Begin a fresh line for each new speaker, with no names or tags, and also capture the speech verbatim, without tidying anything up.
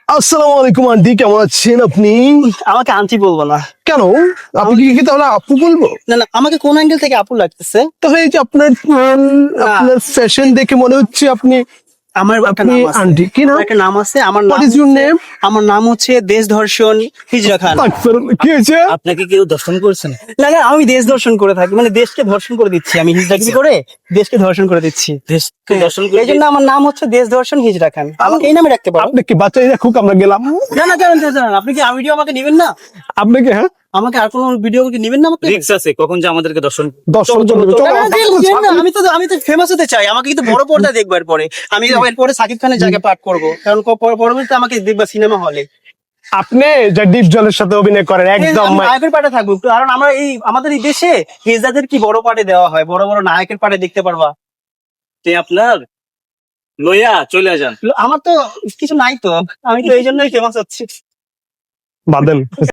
আসসালামু আলাইকুম আন্টি, কেমন আছেন আপনি?
আমাকে আন্টি বলবো না।
কেন? আপনি কি তাহলে আপু বলবো?
না না, আমাকে কোন অ্যাঙ্গেল থেকে আপু লাগতেছে?
তাহলে এই যে আপনার চুল, আপনার ফ্যাশন দেখে মনে হচ্ছে আপনি
আমার একটা
আপনি
নাম আছে।
আন্টি। কি নাম?
আমার একটা নাম আছে। আমার
What
নাম
is your
হচ্ছে-
name?
আমার নাম হচ্ছে দেশ ধর্ষণ হিজরা খান।
কি হয়েছে?
আপনাকে কেউ দর্শন করছেন?
না না, আমি দেশ ধর্ষণ করে থাকি, মানে দেশকে ধর্ষণ করে দিচ্ছি। আমি হিজরাগিরি করে দেশকে ধর্ষণ করে দিচ্ছি।
দেশকে দর্শন করে
এই জন্য আমার নাম হচ্ছে দেশ ধর্ষণ হিজরা খান। আমাকে এই নামে রাখতে পারো।
আপনি কি বাচ্চাই রাখুক, আমরা গেলাম।
না না, জানেন জানেন, আপনি কি ভিডিও আমাকে নেবেন না?
আপনাকে হ্যাঁ
আমাকে আর কোনো ভিডিও কি নেবেন না? আমাকে
রিক্স আছে, কখন যে আমাদেরকে দর্শন
দর্শন করবে।
না,
চলো,
না, দেন, দেন না, আমি তো আমি তো ফেমাস হতে চাই। আমাকে কিন্তু বড় পর্দায় দেখবো এরপরে। আমি এরপরে সাকিব খানের জায়গায় পাঠ করবো, কারণ প- পর- পরবর্তীতে আমাকে দেখবা সিনেমা হলে।
আপনি যে ডিপ জলের সাথে অভিনয় করেন একদম
আমি নায়কের পাটে থাকবো, কারণ আমরা এই আমাদের এই দেশে হিজড়াদের কি বড় পাটে দেওয়া হয়, বড় বড় নায়কের পাটে দেখতে পারবা।
তে আপনার লইয়া চলে যান।
আমার তো কিছু নাই তো, আমি তো এই জন্যই ফেমাস হচ্ছি।
বাদেন।